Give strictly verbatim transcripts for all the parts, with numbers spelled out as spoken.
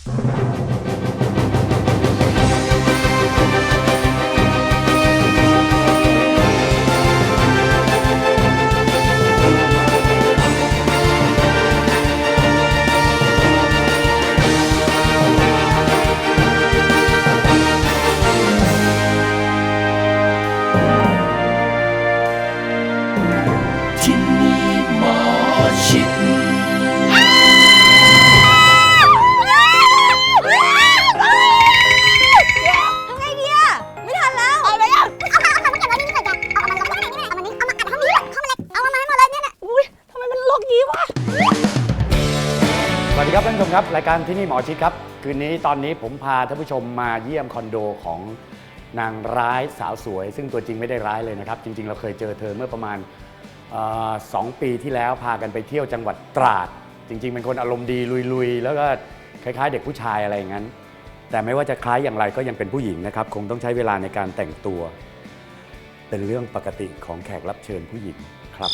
สวัสดีครับท่านผู้ชมครับรายการที่นี่หมอชิดครับคืนนี้ตอนนี้ผมพาท่านผู้ชมมาเยี่ยมคอนโดของนางร้ายสาวสวยซึ่งตัวจริงไม่ได้ร้ายเลยนะครับจริงๆเราเคยเจอเธอเมื่อประมาณสองปีที่แล้วพากันไปเที่ยวจังหวัดตราดจริงๆเป็นคนอารมณ์ดีลุยๆแล้วก็คล้ายๆเด็กผู้ชายอะไรอย่างนั้นแต่ไม่ว่าจะคล้ายอย่างไรก็ยังเป็นผู้หญิงนะครับคงต้องใช้เวลาในการแต่งตัวเป็นเรื่องปกติของแขกรับเชิญผู้หญิงครับ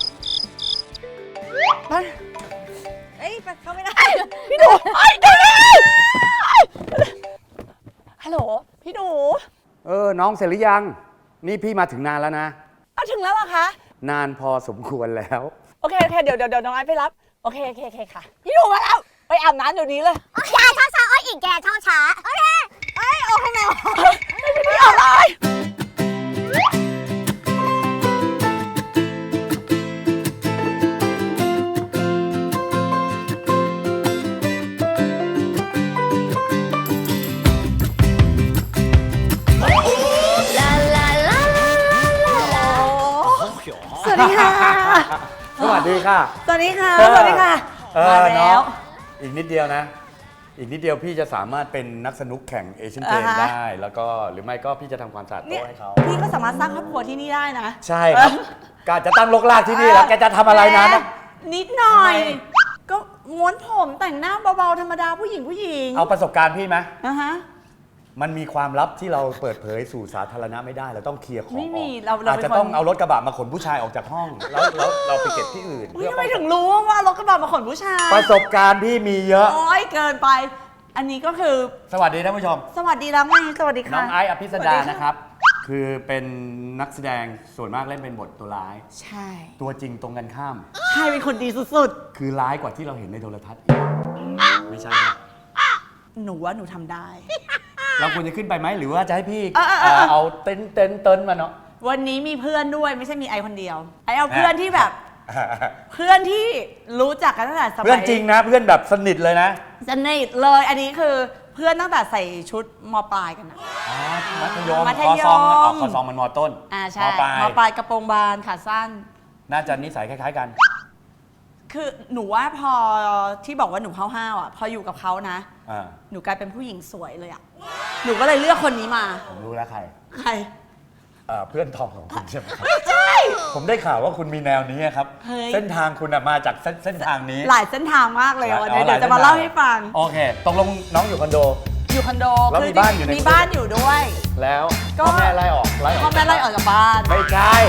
เอ้ยเข้าไม่ได้พี่หนูไอ้เดี๋ยวนะฮัลโหลพี่หนูเออน้องเสร็จหรือยังนี่พี่มาถึงนานแล้วนะเอาถึงแล้วเหรอคะนานพอสมควรแล้วโอเคโอเคเดี๋ยวเดี๋ยวเดี๋ยวน้องไอ้ไปรับโอเคโอเคโอเคค่ะพี่หนูมาแล้วไปอาบน้ำเดี๋ยวนี้เลยแกช้าช้าอ้อยอีกแกช้าช้าโอเคเอ้ยโอเคไหมไม่ได้ออกเลยสวัสดีค่ะสวัสดีค่ะสวัสดีค่ะสวัสดีค่ะมาแล้วอีกนิดเดียวนะอีกนิดเดียวพี่จะสามารถเป็นนักสนุกแข่งเอเชียนเกมได้แล้วก็หรือไม่ก็พี่จะทำความสะอาดโต๊ะให้เขาพี่ก็สามารถสร้างครอบครัวที่นี่ได้นะใช่ครับการจะตั้งรกรากที่นี่แล้วแกจะทำอะไรนั้นนิดหน่อยก็ม้วนผมแต่งหน้าเบาๆธรรมดาผู้หญิงผู้หญิงเอาประสบการณ์พี่ไหมอ่ะฮะมันมีความลับที่เราเปิดเผยสู่สาธารณะไม่ได้เราต้องเคลียร์ของไม่มีเราอาจจะต้องเอารถกระบะมาขนผู้ชายออกจากห้องแล้วแล้วเราไปเก็บที่อื่นทำไมถึงรู้ว่ารถกระบะมาขนผู้ชายประสบการณ์พี่มีเยอะโอ้ยเกินไปอันนี้ก็คือสวัสดีท่านผู้ชมสวัสดีแล้วไงสวัสดีค่ะน้องไอซ์อภิสดานะครับคือเป็นนักแสดงส่วนมากเล่นเป็นบทตัวร้ายใช่ตัวจริงตรงกันข้ามใช่เป็นคนดีสุดๆคือร้ายกว่าที่เราเห็นในโทรทัศน์ไม่ใช่หนูว่าหนูทำได้เราควรจะขึ้นไปไหมหรือว่าจะให้พี่เอาเต็นเต็นเต็นมาเนาะวันนี้มีเพื่อนด้วยไม่ใช่มีไอคนเดียวไอเอาเพื่อนที่แบบเพื่อนที่รู้จักกันตั้งแต่สมัยเพื่อนจริงนะเพื่อนแบบสนิทเลยนะสนิทเลยอันนี้คือเพื่อนตั้งแต่ใส่ชุดม.ปลายกันนะมัธยมมัธยมคอซองมันม.ต้นอ่าใช่ม.ปลายม.ปลายกระโปรงบานขาสั้นน่าจะนิสัยคล้ายๆกันคือหนูว่าพอที่บอกว่าหนูห้าวๆอ่ะพออยู่กับเขานะหนูกลายเป็นผู้หญิงสวยเลยอ่ะหนูก็เลยเลือกคนนี้มาผมรู้แล้วใครใครเพื่อนทอมของคุณใช่ไหมไม่ใช่ผมได้ข่าวว่าคุณมีแนวนี้ครับเส้นทางคุณมาจากเส้นทางนี้หลายเส้นทางมากเลยวันนี้เดี๋ยวจะมาเล่าให้ฟังโอเคตกลงน้องอยู่คอนโดอยู่คอนโดแล้วมีบ้านอยู่ในมีบ้านอยู่ด้วยแล้วพ่อแม่ไล่ออกไล่ออกพ่อแม่ไล่ออกจากบ้านไม่ใช่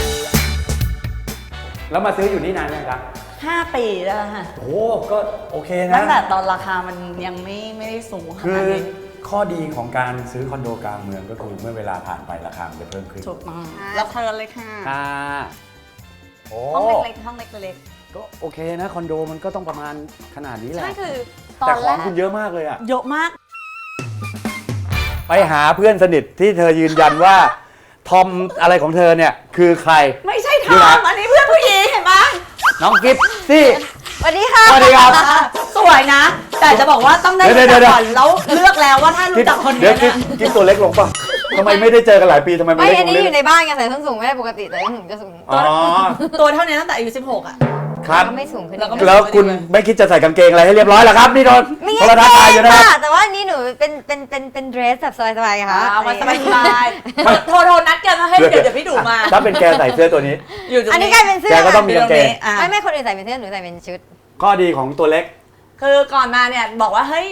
แล้วมาซื้ออยู่นี่นานยังครับห้าปีแล้วค่ะโอ้ก็โอเคนะตั้งแต่ตอนราคามันยังไม่ไม่ได้สูงขนาดนี้ข้อดีของการซื้อคอนโดกลางเมืองก็คือเมื่อเวลาผ่านไปราคาจะเพิ่มขึ้นถูกต้องแล้วเทิร์นเลยค่ะค่ะห้องเล็กๆห้องเล็กๆก็โอเคนะคอนโดมันก็ต้องประมาณขนาดนี้แหละใช่คือแต่ของคุณเยอะมากเลยอะเยอะมากไปหาเพื่อนสนิทที่เธอยืนยันว่าทอมอะไรของเธอเนี่ยคือใครไม่ใช่ทอมอันนี้เพื่อนผู้หญิงเห็นไหมน้องกิฟซี่สวัสดีค่ะสวัสดีครับสวยนะแต่จะบอกว่าต้องได้รู้จักก่อนแล้วเลือกแล้วว่าถ้ารู้จักคนนี้เดี๋ยวกิฟตัวเล็กลงป่ะทำไมไม่ได้เจอกันหลายปีทำไมไม่เล็กลงไม่อันนี้อยู่ในบ้านไงใส่ส้นสูงไม่ได้ปกติแต่ยังถึงจะสูงตัวเท่านี้ตั้งแต่อายุสิบหกอ่ะครับไม่สูงขึ้นแล้วคุณไม่คิดจะใส่กางเกงอะไรให้เรียบร้อยหรอครับนี่โดนโทรทัศน์อยู่นะแต่ว่านี่หนูเป็นเป็นเป็นเป็นเดรสแบบสบายๆค่ะเอามาสบายๆโทรโทรนัดกันมาให้เดี๋ยวเดี๋ยวพี่ดูมาถ้าเป็นแกใส่เสื้อตัวนี้อันนี้กลายเป็นเสื้อแกก็ต้องมีกางเกงไม่ไม่คนอื่นใส่เป็นเสื้อหนูใส่เป็นชุดข้อดีของตัวเล็กคือก่อนมาเนี่ยบอกว่าเฮ้ย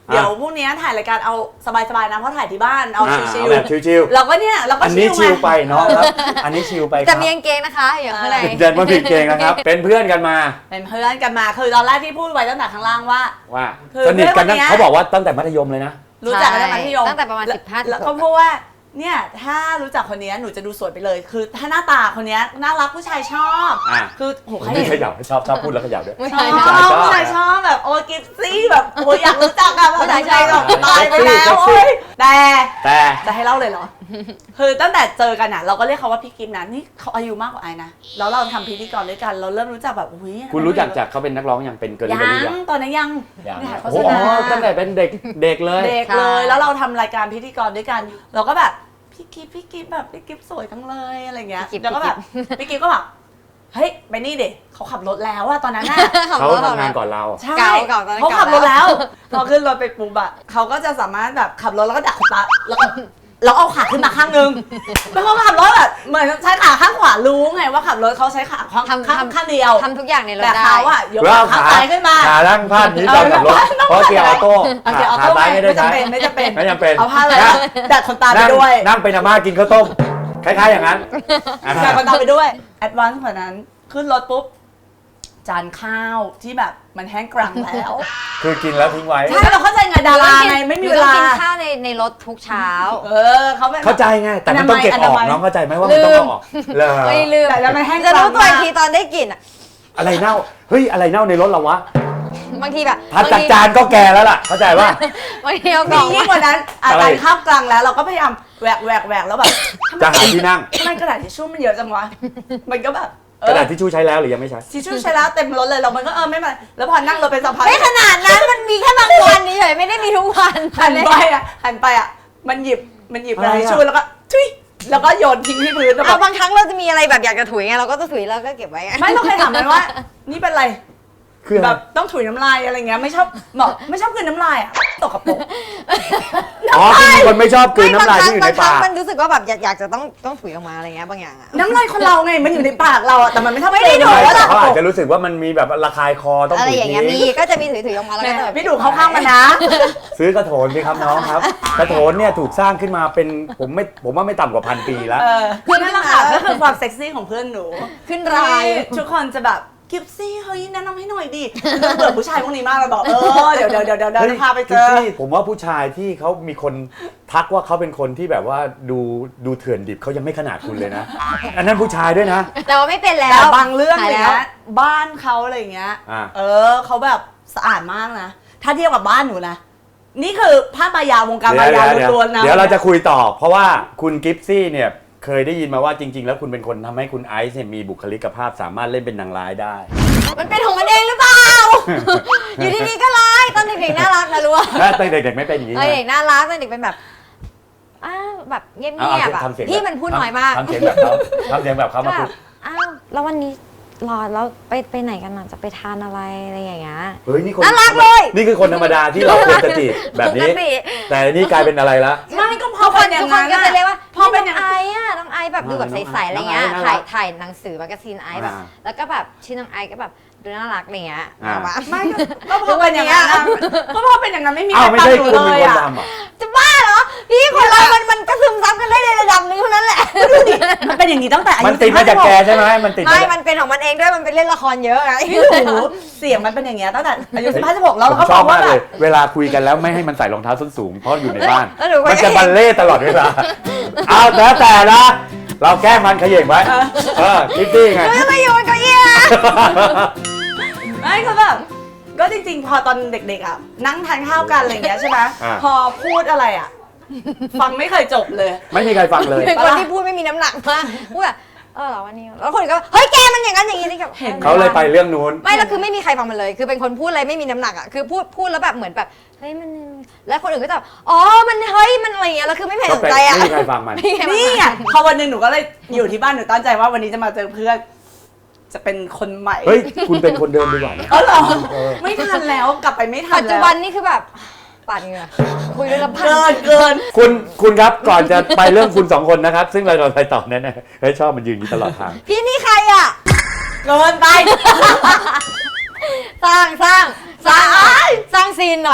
เดี๋ยวพรุ่งนี้ถ่ายรายการเอาสบายๆนะเพราะถ่ายที่บ้านเอาอ่าชิเอาวแบบชิวๆเราก็เนี่ยเราๆก็อันนี้ชิชิวลไปเนาะครับ อันนี้ชิลไปคแต่รับมีกางเกงนะคะอยู่ข้างในเจนว่าผิดเกงนะครับ เป็นเพื่อนกันมาเป็นเพื่อนกันมาคือตอนแรกที่พูดไว้ตั้งแต่ข้างล่างว่าว่าคือสนิทกันนะเพื่อนคนเนี้ยเขาบอกว่าตั้งแต่มัธยมเลยนะรู้จักกันตั้งแต่มัธยมตั้งแต่ประมาณล้วสิบห้าแล้วก็พูดว่าเนี่ยถ้ารู้จักคนนี้หนูจะดูสวยไปเลย คือถ้าหน้าตาคนนี้น่ารักผู้ชายชอบอ่ะคือโหใครนี่เห็นขยับชอบชอบพูดแล้วขยับด้วยไม่ชใช่อบไม่ใช่ใช่ผู้ชายชอบแบบโอ้กิฟซี่แบบโอ้ยอยากรู้จักอะผู้ชายชายแบบตายไปแล้วเซ็กซี่โอ้ยแต่แต่จะให้เล่าเลยเหรอ คือตั้งแต่เจอกันอะเราก็เรียกเขาว่าพี่กิฟนะนี่เขาอายุมากกว่าไอ้นะแล้วเราทำพิธีกรด้วยกันเราเริ่มรู้จักแบบอุ้ยคุณรู้จักจากเขาเป็นนักร้องยังเป็นเกิร์ลยัเบอรี่งตอนนั้นยังยังถ่ายโฆโอ้ษโหณาตั้งแต่เป็นเด็กเด็กเลยเด็กเลยแล้วเราทำรายการพิธีกรด้วยกัน เราก็แบบพี่กิฟพี่กิฟแบบพี่กิฟสวยจังเลยอะไรเงี้ยพี่กิฟแล้วก็แบบพี่กิฟก็แบบเฮ้ยไปนี่เด็กเขาขับรถแล้วอะตอนนั้นอะเขาทำงานก่อนเราใช่เก่าเก่าตอนนั้นเขาขับรถเก่าแล้แล้ว ว พอขึ้นรถไปปุ๊บอะเขาก็จะสามารถแบบขับรถแล้วก็ดักตาแล้วก็เราเอาขาขึ้นมาข้างนึงแล้วเขาขับรถแบบเหมือนใช้ขาข้างขวารู้ไงว่าขับรถเขาใช้ขาข้างทำข้างทำข้างเดียวทำทุกอย่างในรถแต่ได้เขาอะยกแล้วขาเอาข้างขาซ้ายขึ้นมาขาล่างพาดนี้ตอนขับรถเพราะเกียร์ออโต้เอาเกียร์ออขาโต้ซ้ายไม่ได้ไม่ใช้จำเป็นไม่จำเป็นไม่จำเป็นเอาผ้าเลยนั่งดัดขนตาไปนั่งด้วยนั่งเป็นอาม่ากินข้าวต้มคล้ายๆอย่างนั้นอ่าดัดขนตาไปด้วยแอดวานซ์กว่านั้นขึ้นรถปุ๊บจานข้าวที่แบบมันแห้งกรังแล้วคือกินแล้วทิ้งไว้ใช่เราเข้าใจไงดาราไงไม่มีเวลาหนูต้องกินข้าวในในรถทุกเช้าเออเขาเป็นเข้าใจไงแต่มันต้องเก็บออกอนามัยน้องเข้าใจไหมว่ามันต้องเอาออกเหรอไม่ลืมแต่แล้วมันแห้งจะรู้กรังตัวอีกทีตอนได้กลิ่นอะอะไรเน่าเฮ้ยอะไรเน่าในรถเราวะบางทีแบบถัดจากจานก็แก่แล้วล่ะเข้าใจว่าบางทีเอากมีล่องยิ่งกว่านั้นอาอะไรจารย์ข้าวกลางแล้วเราก็พยายามแหวกแหวกแหวกแล้วแบบจะหาที่นั่งทำไมกระดาษทิชชู่มันเยอะจังวะมันก็แบบเอกระดาษอทิชชู่ใช้แล้วหรือยังไม่ใช้ทิชชู่ใช้แล้วเต็มรถเลยเรามันก็เออไม่เป็นไรแล้วพอนั่งรถไปสักพักไม่ขนาดนั้นมันมีแค่บางวันนี้เฉยไม่ได้มีทุกวันหันไปอ่ะหันไปอ่ะมันหยิบมันหยิบกระดาษอะไรทิชอะชู่แล้วก็ทุยแล้วก็โยนทิ้งที่พื้นแล้วแบเอาบบางครั้งเราจะมีอะไรแบบอยากจะถุยไงเราก็จะถุยแล้วก็เก็บไว้ไงไม่เราเคยถามมันว่า นี่เป็นไรคือแบบต้องถุยน้ำลายอะไรเงี้ยไม่ชอบบอกไม่ชอบกลืนน้ำลายอ่ะตกกระปรกอ๋อคือมีคนไม่ชอบกลืนไม่น้ำลายบางที่อยู่คในรั้งบางครั้ปาง กมันรู้สึกว่าแบบอยากอยากจะต้องต้องถุยออกมาอะไรเงี้ยบางอย่างอะน้ำลายคนเราไงมันอยู่ในปากเราอ่ะแต่มันไม่ชอบไม่ได้กลืนดูไม่ว่าแต่ตกกเขาระปรอาจกจะรู้สึกว่ามันมีแบบระคายคอต้องอะไรถุยอย่างทิ้เงี้ยมีงก็จะมีถุยถุยออกมาแล้วแหก็ม่จะแบบพี่ดูเข้าข้างมันนะซื้อกระโถนสิครับน้องครับ กระโถนเนี่ยถูกสร้างขึ้นมาเป็นผมไม่ผมว่าไม่ต่ำกว่าพันปีแล้วเออคือนั่นแหละค่ะก็คือความเซ็กซี่ของเพื่อนหนูขึ้นรายทุกคนจะแบบกิฟซี่เฮ้ยแนะนำให้หน่อยดิเบื่อผู้ชายพวกนี้มากเราบอกเออเดี๋ยวเดี๋ยวเดี๋ยวเดี๋ยวเดี๋ยวพาไปเจอฮ้ยผมว่าผู้ชายที่เขามีคนทักว่าเขาเป็นคนที่แบบว่าดูดูเถื่อนดิบเขายังไม่ขนาดคุณเลยนะ อันนั้นผู้ชายด้วยนะแต่ว่าไม่เป็นแล้วแต่บางเรื่องหาอย ย่างแล้วเงี้ยบ้านเขาอะไรอย่างเงี้ยอ่าเออเขาแบบสะอาดมากนะ ถ้าเทียบกับบ้านหนูนะ นี่คือภาพมายาวงการมายาเดี๋ยวล้วนๆนะเดี๋ยวเราจะคุยต่อ เพราะว่าคุณกิฟซี่เนี่ยเคยได้ยินมาว่าจริง ๆ แล้วคุณเป็นคนทำให้คุณไอซ์เนี่ยมีบุคลิกภาพสามารถเล่นเป็นนางร้ายได้มันเป็นของมันเองหรือเปล่า อยู่ดีๆก็ร้ายตอนเด็กๆน่ารักนะรู้ว่าถ้าตอนเด็กๆไม่เป็นอย่างนี้เออนะเด็กน่ารักตอนเด็กเป็นแบบอ้าวแบบเงียบเอาๆเอาอะทำเสียงพี่มันพูดน้อยมากทำเสียงแบบเขาทำเสียงแบบเขาก็มาแบพูบดอ้าวแล้ววันนี้รอแล้วไปไปไหนกันอ่ะจะไปทานอะไรอะไรอย่างเงี้ยเฮ้ยนี่คนน่ารักเลยนี่คือคนธรรมดาที่เราควรจะจีบแบบนี้ปกติแต่นี่กลายเป็นอะไรละไม่ก็พอทุกคเป็น นอย่าทุงกคนนั้นก็จะเรียกว่าพอเป็นอย่างน้องนั้นไอซ์อะน้องไอซ์แบบดูแบบใสๆอะไรเงี้ยน้องไอซ์น่ารัถ่าก ยถ่ายหนังสือแมกกาซีนไอซ์แบบอ่าแล้วก็แบบชื่อน้องไอซ์ก็แบบดูน่ารักอะไรเงี้ยอ่าเอามาไม่ก็ก็พอเป็นอย่างนั้นอะก็พอเป็นอย่างนั้นไม่มีใคอ้าร วไม่ใช่ฟังหนูคุณเลเป็นยคนอะทำเหรอจะบ้าเหรอพี่คนเรา มันมันก็ซึมซับกันได้ในระดับหนึงเท่านั้นแหละมันเป็นอย่างนี้ตั้งแต่อามันยุติดมาจากแกสิบห้ใช่ไหมมันติดไม่มาจากมันเป็นของมันเองด้วยมันไปเล่นละครเยอะไงพี่หนูเสียงมันเป็นอย่างเงี้ยตั้งแต่อายุสิบห้าสิบหกแล้วผเรามก็ชบออบ กว่ามากแบเลยบเวลาคุยกันแล้วไม่ให้มันใส่รองเท้าส้นสูงเพราะอยู่ในบ้านแล้วหนูก็มันจะบัลเล่ต์ตลอดเวลา เอาแล้วแต่นะเราแกล้งมันเขย่งไว้เออคิดดี้ไงหนูจะไปอยู่บนเก้าอี้นะไม่คือแบบก็จริงๆ พอตอนเด็กๆอ่ะนั่งทานข้าวกันอะไรอย่างเงี้ยใช่ไหมอ่าพอพูดอะไรอ่ะ ฟังไม่เคยจบเลยไม่มีใครฟังเลยเป็นคนที่พูดไม่มีน้ำหนักมากพูดแบบเออเหรอวันนี้แล้วคนอื่นก็เฮ้ยแกมันอย่างนั้นอย่างนี้นี่กับเห็นเขาเลยไปเรื่องนู้นไม่แล้วคือไม่มีใครฟังมันเลย คือเป็นคนพูดอะไรไม่มีน้ำหนักอ่ะคือพูดพูดแล้วแบบเหมือนแบบเฮ้ยมันแล้วคนอื่นก็จะแบบอ๋อมันเฮ้ยมันอะไรอย่างเงี้ยแล้วคือไม่มีใครก็สนเป็นใจอ่ะไม่มีใครฟังมันไม่มีใครฟังนี่ไงพอวันหนึ่งหนูก็เลยอยู่ที่บ้านหนูตั้งใจว่าวันนี้จะมาเจอเพื่อน จะเป็นคนใหม่เฮ้ยคุณเป็นคนเดิมดีกว่านะเออเหรอไม่ทันแล้วกลับไปไม่ทันปัจจุแล้วบันนี่คือแบบปาดเหงื่อคุยด้วยลำพังเกินเกินคุณคุณครับก่อนจะไปเรื่องคุณสองคนนะครับ ซึ่งเราจะไปต่อแน่ๆเฮ้ยชอบมันยืนอยู่ตลอดทางพี่นี่ใครอ่ะเกินไปสร้างสร้างสร้างสร้างสร้างซีนหน่อย ใคร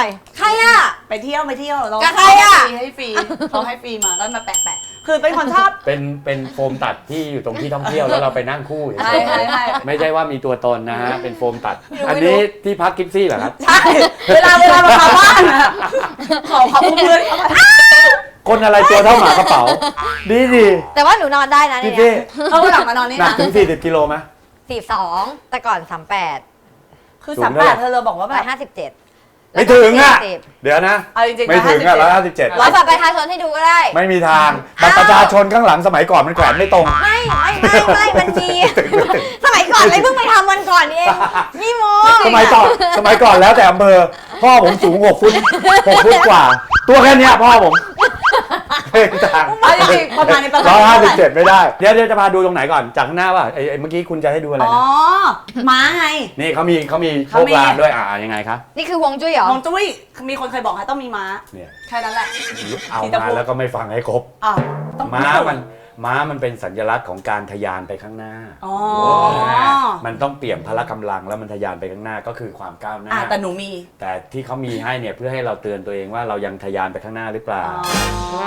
อ่ะไปเที่ยวไปเที่ยวเรากับใครอะให้ฟรีเขาให้ฟรีมาก็มาแปะๆคือเป็นคนชอบเป็นเป็นโฟมตัดที่อยู่ตรงที่ท่องเที่ยวแล้วเราไปนั่งคู่เฉยๆใช่ใช่ใช่ไม่ใช่ว่ามีตัวตนนะฮะเป็นโฟมตัดไม่รู้อันนี้ที่พักกิฟซี่เหรอครับใช่เวลาเวลามาเข้าบ้านอะขอขอบคุณเลยเข้าไปคนอะไรตัวเท่าหมากระเป๋า ดีดีแต่ว่าหนูนอนได้นะกิฟเนี่ซี่ยเอาหลังมานอนนี่หนักนะถึงสี่สิบกิโลไหมสี่สองแต่ก่อนสามแปดคือสูสาง มเท่าแปไหร่ดเธอเลยบอกว่าแบร้อบ ยห้าสิบเจ็ดไม่ถึงอ่ะเดี๋ยวนะเอาจริงๆไม่ถึงอ่ะร้อยห้าสิบเจ็ดร้อยบัตรประชาชนให้ดูก็ได้ไม่มีทางบัตรประชาชนข้างหลังสมัยก่อนมันแขวนไม่ตรงไม่ไม่ไม่ไม่มันมี สมัยก่อนเลยเพิ่งไปทำวันก่อนเองนี่โมสมัยก่อนสมัยก่อนแล้วแต่อำเภอพ่อผมสูงหกฟุตหกฟุตกว่า ตัวแค่เนี้ยพ่อผมเฮ้ยต่างเอาจริงๆประมาณนี้ประมาณร้อยนี้ห้าสิบเท่าไหร่เจ็ดไม่ได้เดี๋ยวเดี๋ยวจะพาดูตรงไหนก่อนจากข้างหน้าป่ะไอ้ไอ้เมื่อกี้คุณจะให้ดูอะไรอ๋อนะม้าไงนี่เขามีเขามีโชเขาคมีลางด้วยอ่ายังไงคะนี่คือวงจุ้ยเหรอมองจุ้ยมีคนเคยบอกให้ต้องมีม้าเนี่ยแค่นั้นแหละเอาที่ตะมาปูแล้วก็ไม่ฟังให้ครบอ้าวต้องม้ามันม้ามันเป็นสัญลักษณ์ของการทะยานไปข้างหน้าอ๋อมันต้องเปี่ยมพละกำลังแล้วมันทะยานไปข้างหน้าก็คือความก้าวหน้าอ่าแต่หนูมีแต่ที่เขามีให้เนี่ยเพื่อให้เราเตือนตัวเองว่าเรายังทะยานไปข้างหน้าหรือเปล่าอ๋อ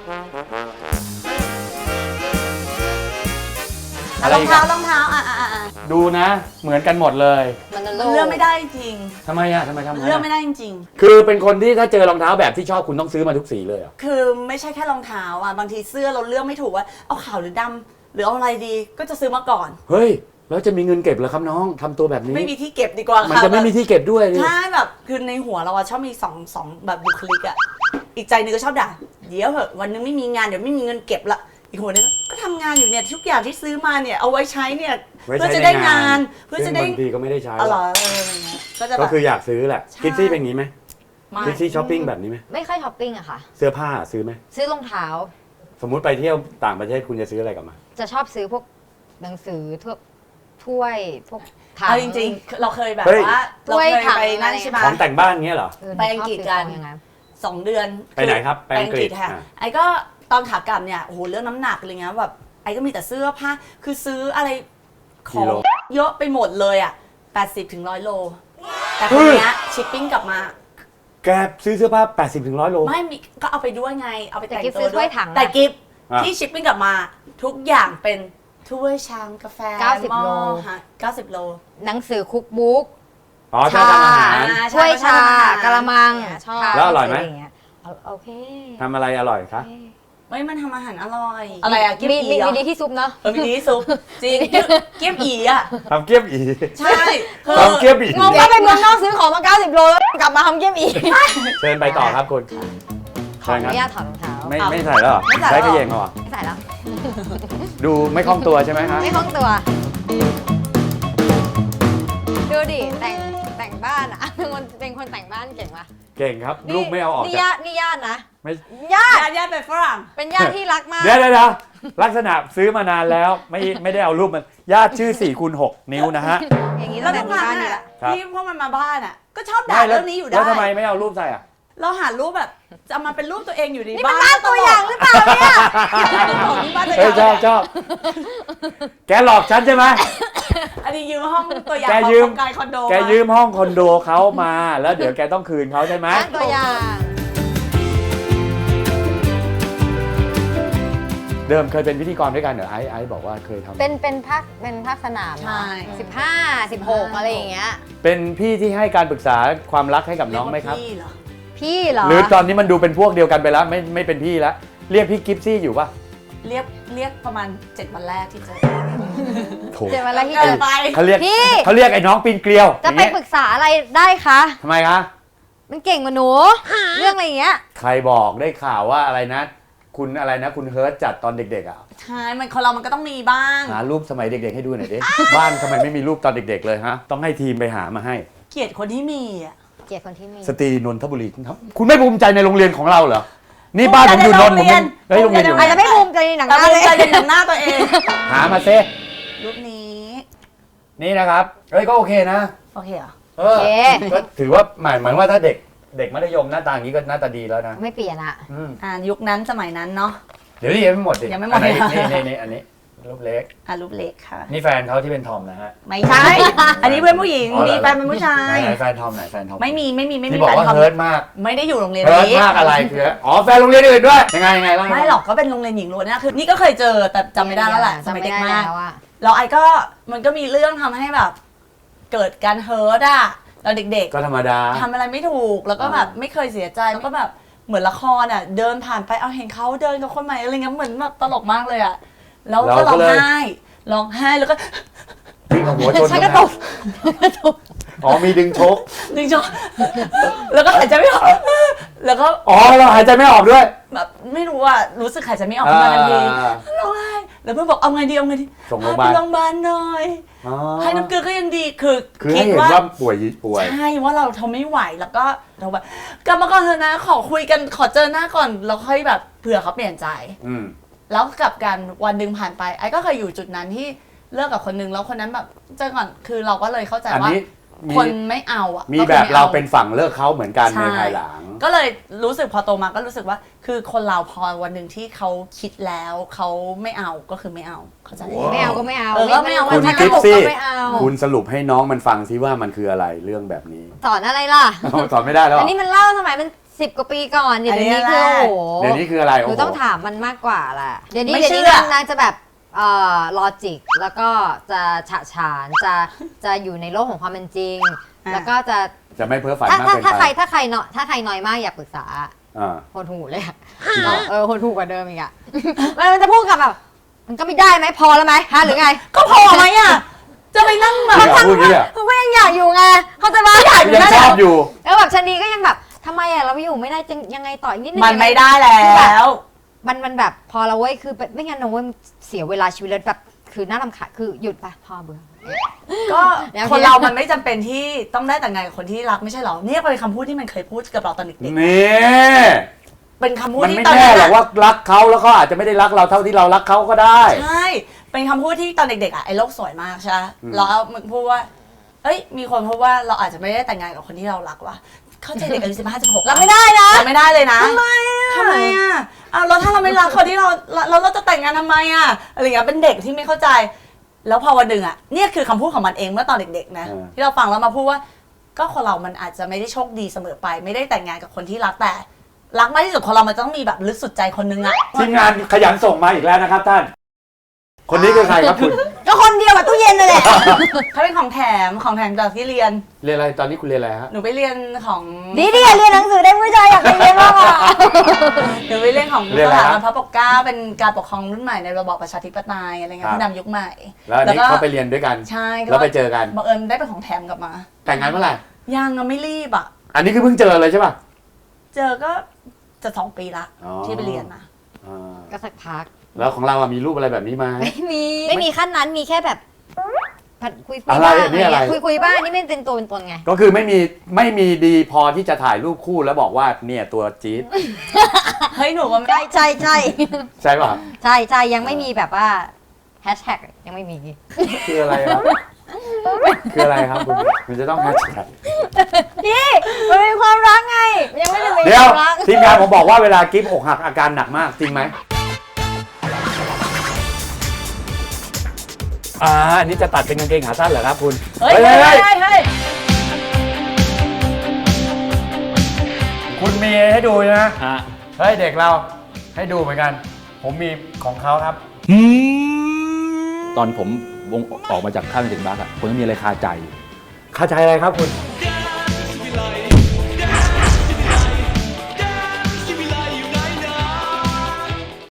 อะไรรองอีกเท้าอะรองเท้าอ่ะอ่ะอ่ะอ่ะดูนะ เหมือนกันหมดเลยมันจะมันโลเลือกไม่ได้จริงทำไมอะทำไมทำไมเลือกไม่ได้จริงคือเป็นคนที่ถ้าเจอรองเท้าแบบที่ชอบคุณต้องซื้อมาทุกสีเลยเหรอคือไม่ใช่แค่รองเท้าอ่ะบางทีเสื้อเราเลือกไม่ถูกว่าเอาขาวหรือดำหรือเอาอะไรดีก็จะซื้อมาก่อนเฮ้ยแล้วจะมีเงินเก็บเหรอครับน้องทำตัวแบบนี้ไม่มีที่เก็บดีกว่ามันค่ะจะไม่มีที่เก็บด้วยดิใช่แบบคือในหัวเราอะชอบมีสองสองแบบบุคลิกอะอีกใจหนึงก็ชอบด่าเดี๋ยวเหอะวันนึงไม่มีงานเดี๋ยวไม่มีเงินเก็บละอีกหัวนึงก็ทำงานอยู่เนี่ยทุกอย่างที่ซื้อมาเนี่ยเอาไว้ใช้เนี่ยไว้เพื่อใช้จะได้ในงานเพื่อจะได้ซึ่งบางทีก็ไม่ได้ใช้อ๋อเหรอเอออะไรเงี้ยก็จะแบก็บคืออยากซื้อแหละใช่คิดซี่เป็นอย่างนี้ไหมไม่คิดซี่ช้อปปิ้งแบบนี้ไหมไม่ค่อยช้อปปิ้งอะค่ะเสื้อผ้าซื้อไหมซื้อรองเท้าสมมุติไปเที่ยวต่างประเทศคุณจะซื้ออะไรกลับมาจะชอบซื้อพวกหนังสือทั่วถ้วยพวกถังเอาจริงๆ เราเคยแบบเฮ้ยว่าเราเคยไปนั่นใช่ไหมของแต่งบ้านเงี้ยเหรอเออไปอังกฤษกันชอบซื้อของอย่างนั้นสองเดือนไปไหนครับไปไปอัอังงกกฤฤษษค่ะอ่ะไอ้ก็ตอนขากลับเนี่ยโอ้โหเรื่องน้ำหนักอะไรเงี้ยแบบไอ้ก็มีแต่เสื้อผ้าคือซื้ออะไรของเยอะไปหมดเลยอ่ะแปดสิบถึงร้อยโลแต่คนเนี้ยชิปปิ้งกลับมาแกซื้อเสื้อผ้า แปดสิบถึงร้อยโลไม่มีก็เอาไปด้วยไง เอาไปแต่งแต่กิฟต์ตัซื้วอถ้วยถังนะแต่กิฟต์อ่ะที่ชิปปิ้งกลับมา ทุกอย่างเป็นถ้วยชามกาแฟเก้าสิบหม้อโลฮะเก้าสิบโลหนังสือคุกบุ๊กอ๋อชอบทำอาหารอ่าถ้วยชากระมังชอบชาแล้วอร่อยไหมะางเงี้เอาโอเคทำอะไรอร่อยคะเฮ้ยมันทำอาหารอร่อย อะไรอะเกี๊ยมีมอีมีเหรอมีดีที่ซุปเนาะเออมีดีซุปจริงเกี๊ยมอีอะทำเกี๊ยบอีใช่คือทำเกี๊ยบอีงงว่าไปเมืองนอกซื้อของมา เก้าสิบ โลแล้วกลับมาทำเกี๊ยมอีกเชิญไปต่อครับคุณขอเชิญอครับนุญาตถอดรองเท้าไม่ไม่ใส่แล้วเหรอไม่ใส่แล้วได้กระเยงเหรอไม่ใส่แล้วดูไม่คล่องตัวใช่ไหมครับไม่คล่องตัว ดูดิแต่งแต่งบ้านอะ เป็นคนเป็นคนแต่งบ้านเก่งปะเก่งครับลูกไม่เอาออกนี่จากญาตินี่ญาตินะไม่ญาติญาติญาติเป็นฝรั่งเป็นญาติที่รักมากเดี๋ยวเดี๋ยวเดี๋ยวลักษณะซื้อมานานแล้วไม่ไม่ได้เอารูปมันญาติชื่อสี่คูณหกนิ้วนะฮะอย่างนี้แล้ตั้วงทุแต่กมีครั้บ้าง นนี่แหอะละครับที่พวกมันมาบ้านอะก็ชอบด่าไม่แล้เรื่วองนี้อยู่ได้แล้วทำไมไม่เอารูปใส่อ่ะเราหารูปแบบจะเอามาเป็นรูปตัวเองอยู่ในนี่เป็นบ้านบ้านตัวอย่างหรือเปล่าเนี่ยของที่บ้านตัวอเอ้ยย่างชอบชอบแกหลอกฉันใช่ไหมอันนี้ยืมห้องตัวอย่างแกของยืมโครงการคอนโดแกยืมห้องคอนโดเขามาแล้วเดี๋ยวแกต้องคืนเขาใช่ไหมบ้านตัวอย่างเดิมเคยเป็นพิธีกรด้วยกันเหรอไอ้ไอ้บอกว่าเคยทำเป็นเป็นภาคเป็นภาคสนามใช่สิบห้าสิบหกอะไรอย่างเงี้ยเป็นพี่ที่ให้การปรึกษาความรักให้กับน้องไหมครับเยกว่าพี่เหรอพี่เหรอหรือตอนนี้มันดูเป็นพวกเดียวกันไปแล้วไม่ไม่เป็นพี่แล้วเรียกพี่กิฟซี่อยู่ป่ะเรียกเรียกประมาณเจ็ดวันแรกที่เจอโถเดี๋ยวเวลาที่เกิเจนอไปเขาเรียกพี่เขาเรียกไอ้น้องปีนเกลียวจะอย่างไปเงี้ยปรึกษาอะไรได้คะทำไมคะมันเก่งกว่าหนู เรื่องอะไรอย่างเงี้ยใครบอกได้ข่าวว่าอะไรนะ คุณอะไรนะ คุณเฮิร์ตจัดตอนเด็กๆอ่ะใช่ มันคนเรามันก็ต้องมีบ้างหารูปสมัยเด็กๆให้ดูหน่อยดิ บ้านทำไมไม่มีรูปตอนเด็กๆเลยฮะ ต้องให้ทีมไปหามาให้เกลียดคนที่มีอ่ะเกลียดคนที่มีสตรีนนทบุรีครับคุณไม่ภูมิใจในโรงเรียนของเราเหรอ นี่บ้านผมอยู่นนท์ผมยังเฮ้ยโรงเรียนอยู่อาจจะไม่ภูมิใจในหนังหแต่น้าภูเลมิยใจในหนังหน้าตัวเองหามาเซรูปนี้นี่นะครับเฮ้ยก็โอเคนะโอเคเหรอเออก็ถือว่าหมายหมายว่าถ้าเด็กเด็กมัธยมหน้าตาอย่างนี้ก็หน้าตาดีแล้วนะไม่เปลี่ยนอะอืมอ่ายุคนั้นสมัยนั้นเนาะเดี๋ยวนี่ยังไม่หมดดิยังไม่หมดอันไหนเลยนี่นี่นี่อันนี้รูปเล็กอ่ะรูปเล็กค่ะนี่แฟนเขาที่เป็นทอมนะฮะไม่ใช่ อันนี้เพื่อนผู้หญิงอ๋อเหรอมีแฟนเป็นผู้ชายไหนๆแฟนทอมไหนแฟนทอมไม่มีไม่มีไม่มีที่บอกแฟนว่าทอมเฮิร์ตมากไม่ได้อยู่โรงเรียนเฮิร์ตนี้มากอะไรคืออ๋อแฟนโรงเรียนอื่นด้วยยังไงยังไงเล่าไม่หรอกก็เป็นโรงเรียนหญิงล้วนนะคือนี่ก็เคยเจอแต่จำไม่ได้แล้วแหละสจำมัยไม่เด็กได้มากแล้วอะแล้วไอ้ก็มันก็มีเรื่องทำให้แบบ เกิดการเฮิร์ตอะตอนเด็กก็ธรรมดาๆทำอะไรไม่ถูกแล้วก็แบบไม่เคยเสียใจแล้วก็แบบเหมือนละครอะเดินผ่านไปเอาเห็นเขาเดินกับคนใหม่อะไรเงี้ยเหมือนแบบตลกมากเลยอะแล้วก็ร้องไห้ร้องไห้แล้วก็วิ่งเอาหัวชนฉันก็ตกอ๋อมีดึงชกดึงจอแล้วก็หายใจไม่ออกแล้วก็อ๋อเราหายใจไม่ออกด้วยแบบไม่รู้อะรู้สึกหายใจไม่ออกขึ้นมาทันทีอ่าร้องไห้แล้วเพื่อนบอกเอาไงดีเอาไงดีส่งโรงพยาบาลพไปโรงพยาบาลหน่อยอ๋อให้น้ำเกลือก็ยังดีคือคือให้คิดเห็นว่าว่าป่วยป่วยใช่ว่าเราทนไม่ไหวแล้วก็เราแบบกลับมาก่อนเถอะนะ ขอคุยกันขอเจอหน้าก่อนแล้วค่อยแบบเผื่อเขาเปลี่ยนใจอืมแล้วกลับกันวันหนึ่งผ่านไปไอ้ก็เคยอยู่จุดนั้นที่เลิกกับคนนึงแล้วคนนั้นแบบเจอก่อนคือเราก็เลยเข้าใจอันว่านี้มีคนไม่เอาอ่ะมีก็คือแบบไม่เราอเป็นฝั่งเลิกเขาเหมือนกันใช่ในภายหลังก็เลยรู้สึกพอโตมาก็รู้สึกว่า คือคนเราพอวันหนึ่งที่เขาคิดแล้วเขาไม่เอาก็คือไม่เอาเข้าใจไม่เอาก็ไม่เอาเออก็ไม่เอาคุณถ้ากิฟตลกซี่ก็ไม่เอาคุณสรุปให้น้องมันฟังซิว่ามันคืออะไรเรื่องแบบนี้สอนอะไรล่ะสอนไม่ได้แล้วเหรอัอนนี้มันเล่าสมัยมันสิบกว่าปีก่อนเดี๋ยวนี้คือโอ้โหเดี๋ยวนี้คืออะไรหโอ้นูโหต้องถามมันมากกว่าแหละเดี๋ยวนี้ไม่เดี๋ยวเชื่นี้อนางจะแบบเอ่อลอจิกแล้วก็จะฉะฉานจะจะอยู่ในโลกของความเป็นจริง แล้วก็จะจะไม่เพ้อฝันถ้ามากถ้าเกินถ้าใครไปถ้าใครเนาะถ้าใครน้อยมากอย่าปรึกษาอ่าโหดหูเลยอะเออโหดหูกว่าเดิมอีกอะ มันจะพูดกับแบบมันก็ไม่ได้ไหมพอแล้วไหมฮะหรือไงก็พอไหมอ่ะจะไปนั่งแบบอย่าพูดอย่างนี้อ่ะมันก็ยังอยากอยู่ไงเขาใจปะยังชอบอยู่แล้วแบบชะนีก็ยังแบบทำไมอะเราไม่อยู่ไม่ได้จะยังไงต่ออีกนิดนึงมันไม่ได้แล้วมันมันแบบพอเราเว้ยคือไม่งั้นเราเว้ยเสียเวลาชีวิตเลยแบบคือน่ารำคาญคือหยุดปะพอเบื่อก็แล้วคนเรามันไม่จำเป็นที่ต้องได้แต่งงานกับคนที่รักไม่ใช่หรอเนี่ยเป็นคำพูดที่มันเคยพูดกับเราตอนเด็กนี่ๆเป็นคำพูดมันที่ไม่ตอนแน่นั้นหรอกอะว่ารักเขาแล้วเขาอาจจะไม่ได้รักเราเท่าที่เรารักเขาก็ได้ใช่เป็นคำพูดที่ตอนเด็กๆอ่ะไอ้โลกสวยมากใช่ไหมอืมแล้วมึงพูดว่าเอ้ยมีคนพูดว่าเราอาจจะไม่ได้แต่งงานกับคนที่เรารักว่ะเข้าใจเด็กอายุสิบห้าสิบหกเราไม่ได้นะเราไม่ได้เลยนะทำไมอ่ะทำไมอ่ะอ้าวแล้วถ้าเราไม่รักคนที่เราเราเราจะแต่งงานทำไมอ่ะอะไรอย่างเงี้ยเป็นเด็กที่ไม่เข้าใจ แล้วพอวันหนึ่งอ่ะเนี่ยคือคำพูดของมันเองเมื่อตอนเด็กๆนะเออที่เราฟังแล้วมาพูดว่า ก็คนเรามันอาจจะไม่ได้โชคดีเสมอไป ไม่ได้แต่งงานกับคนที่รักแต่ รักมากที่สุดคนเรามันต้องมีแบบลึกสุดใจคนนึงอะทีมงานขยันส่งมาอีกแล้วนะครับท่าน คนนี้คือใครครับคุณก็คนเดียวกับตู้เย็นนั่นแหละเขาเป็นของแถมของแถมจากที่เรียนเรียนอะไรตอนนี้คุณเรียนอะไรฮะหนูไปเรียนของดีดีเรียนหนังสือได้ผู้ชายอยากไปเรียนมากอ่ะหนูไปเรียนของเรียนสอะไรถาครับับนพระปกเกล้าเป็นการปกครองรุ่นใหม่ในระบอบประชาธิปไตยอะไรเงี้ยครับผู้นำยุคใหม่แล้วอันนี้เขาไปเรียนด้วยกันใช่แล้วไปเจอกันบังเอิญได้เป็นของแถมกลับมาแต่งงานเมื่อไหร่ยังอะไม่รีบอะอันนี้คือเพิ่งเจอเลยใช่ป่ะเจอก็จะสองปีละอ๋อที่ไปเรียนนะอ่าก็สักพักแล้วของเราอะมีรูปอะไรแบบนี้ไหมไม่มี ไม่มีขั้นนั้นมีแค่แบบผัดคุยคุยอะไรบ้างอันนี้อะไรคุยคุยบ้างนี่ไม่เป็นตัวเป็นตนไงก็คือไม่มีไม่มีดีพอที่จะถ่ายรูปคู่แล้วบอกว่าเนี่ยตัวจี๊ดเฮ้ยหนูก็ไม่ใช่ใช่ใช่ใช่ป่ะใช่ใช่ยังไม่มีแบบว่าแฮชแท็กยังไม่มีคืออะไรครับ คืออะไรครับคุณมันจะต้องแฮชแท็กนี่มันเป็นความรักไงยังไม่ได้เป็นเดี๋ยวความรักทีมงานผมบอกว่าเวลากิฟอกหักอาการหนักมากจริงไหมอ่าอันนี้จะตัดเป็นกางเกงขาสั้นเหรอครับคุณเฮ้ยเฮ้ยเฮ้ยเฮ้ยคุณมีให้ดูนะฮะเฮ้ยเด็กเราให้ดูเหมือนกัน ผมมีของเขาครับตอนผมวงออกมาจากค่ายเป็นเด็กบักอะผมยังมีอะไรคาใจอยู่คาใจอะไรครับคุณ